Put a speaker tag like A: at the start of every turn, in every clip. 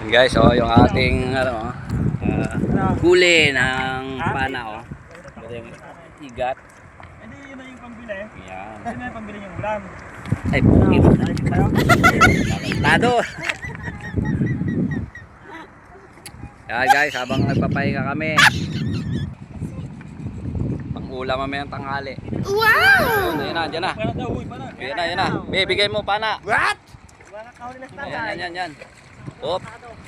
A: Guys, oh, yung ating ano, huli ng pana, oh. Ito yung igat.
B: Hindi, yun na yung pambili.
A: Yan.
B: Yun na yung pambili yung ulam.
A: Ay, pukit. Tado. Yan guys, habang nagpapahinga kami. Pang-ulam mamaya ng tanghali. Wow! Yan na, dyan na. Yan na. Bigay mo pana. What? Yan. Hop.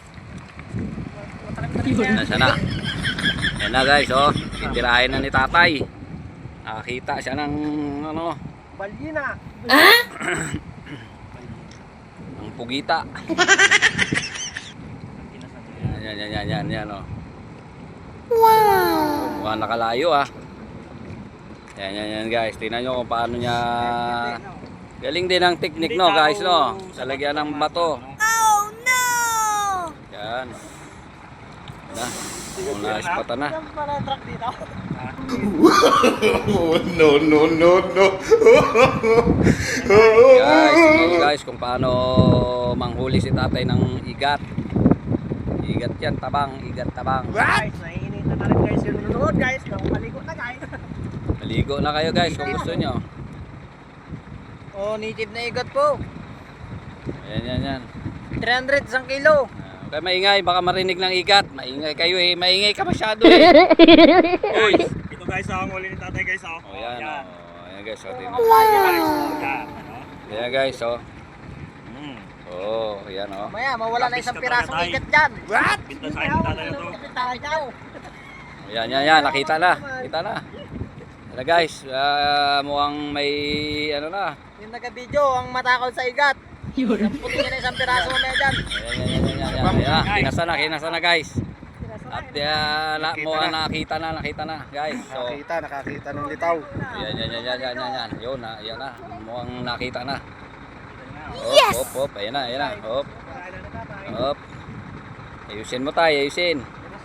A: Nasa na. Yan na guys, oh. Titirahin na ni tatay. Nakakita siya ng ano.
B: Balyina.
A: Ang pugita. Yan, oh. Wow! Mukhang nakalayo, ah. Yan guys. Tingnan nyo kung paano niya. Galing din ang teknik, no guys, no. Salagyan ng bato.
C: Oh no!
A: Yan. Na. Kung naispatan na.
D: No.
A: Guys, kung paano manghuli si tatay ng igat. Igat yan, igat tabang.
B: Guys, naiinit na rin guys yung nanonood guys. Maligo na guys.
A: Maligo na kayo guys kung gusto nyo.
B: Oh, native na igat po.
A: Yan.
B: 300 isang kilo.
A: Okay, maingay, baka marinig ng igat. Maingay kayo eh, maingay ka masyado eh. Uy.
B: Ito guys, ang huli ni tatay guys.
A: Oh, yan. Ayan guys, oh.
B: Wow!
A: Ayan guys, oh. Oh, ayan oh.
B: Maya, mawala na isang pirasong igat dyan.
A: What?
B: Pinta sa akin tatay na to.
A: Yan, nakita na. Kita na. Ano guys, mukhang may ano na.
B: Yung nagka-video, ang matakol sa igat. Puti na isang piraso mamaya dyan.
A: Ayan. Kinasa na guys. At mukhang nakita na guys. So,
D: Nakakita ng litaw.
A: yan. Yun na, yan na. Mukhang nakita na.
C: Yes!
A: Hop. Ayan na. Hop. Ayusin mo tayo, ayusin.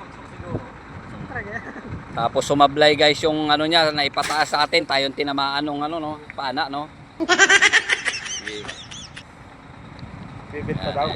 A: Tapos sumablay guys yung ano niya na ipataas sa atin. Tayong tinamaan ng ano no, pana no.
D: Bibit pa daw.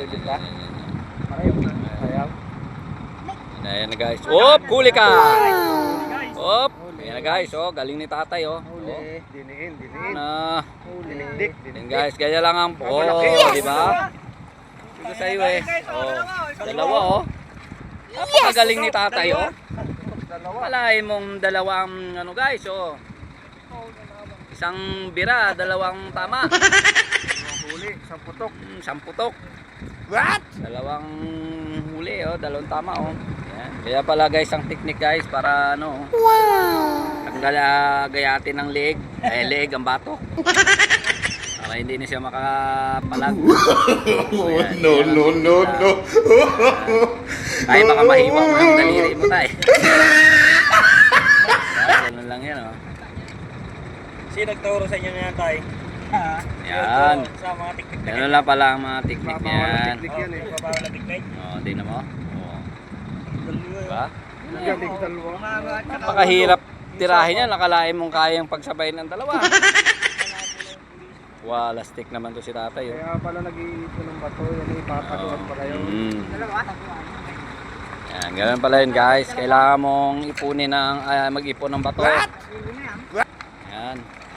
D: Ayaw.
A: Ayan na guys. Hop, huli ka. Hop. Ayan na guys, oh, galing ni tatay oh.
D: Diniin.
A: Na.
D: Dinikdik.
A: Yan guys, kaya lang ang di ba? Ito sa iyo eh. Oh. Dalawa oh. Napakagaling ni tatay oh. Malahin mong dalawang ano guys oh. Isang bira, dalawang tama.
D: Huli, isang putok.
A: Isang putok.
D: What?
A: Dalawang huli oh, dalawang tama oh. Yan. Kaya pala guys ang technique guys para ano. Wow. Tanggal gayatin ng leeg, leeg ang batok. Para hindi na siya makapalag. Ayan,
D: No.
A: Tayo baka mahiwang mo ang daliri mo tayo. Ganun lang yan oh.
B: Sino nagturo sa inyo na yan tay?
A: Yan.
B: Sa mga teknik na
A: Ganun lang pala ang mga technique niyan.
B: Babawal na teknik.
A: Oh, di na mo. Oh. Diba?
D: Galing dalawa.
A: Napakahirap tirahin yan. Nakalain mong kayang pagsabayin ng dalawa. Walastik naman to si tatay. Oh.
D: Kaya pala nag-iipon ng bato. Yan ipapaluan pa kayo.
A: Yan, ganun pala yun guys. Kailangan mong ipunin ng, mag-ipon ng bato. Yan.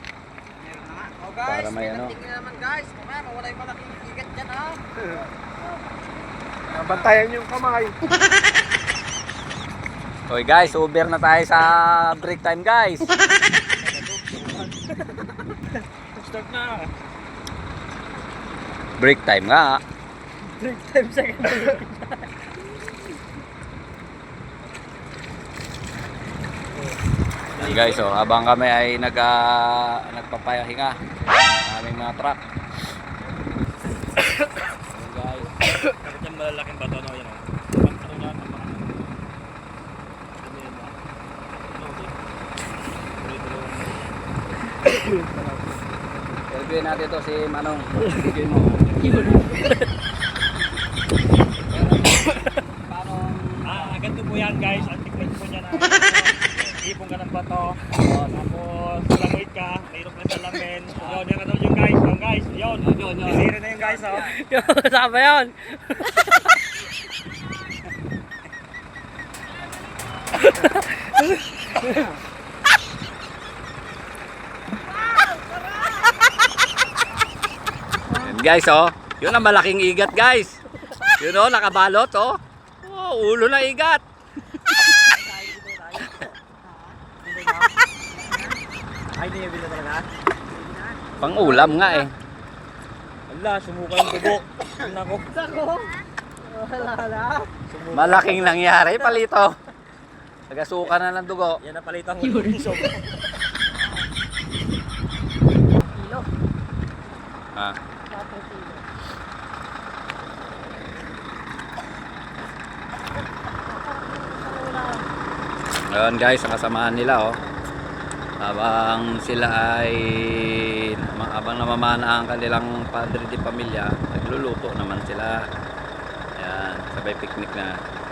A: Para may ano.
B: Tingnan naman guys, mamaya mawala yung malaking igat dyan ha.
D: Bantayan yung kamay.
A: Okay guys, Uber na tayo sa break time guys.
B: Start na.
A: Break time nga.
B: Break time sa kanila.
A: Yan guys, oh, habang kami ay nagpapahinga aming mga truck. Yan guys.
B: Kapit yung malalaking bato no, yun o.
A: Interviewin natin to si Manong. Bigyan mo.
B: Ganito po yan guys, ang technique po niya na ipon ka ng bato, tapos lamit ka, mayroon ka sa lamin. Yun, yan katulad yung guys, yun. Sisira na yung guys, oh.
C: Sama yun.
A: guys, oh. Yun ang malaking igat, guys. Yun, oh, nakabalot, oh. Oh, ulo na igat.
B: Ay, hindi niya bila talaga.
A: Pang ulam nga eh.
B: Wala, sumuka yung dugo. Nako.
A: Malaking nangyari, palito. Nagasuka na ng dugo.
B: Yan napalitan ko yung sobrang.
A: Ah. Ayun guys, ang kasamaan nila, oh. Habang sila ay habang namamana ang kanilang padre di pamilya, nagluluto naman sila. Ayan, sabay picnic na.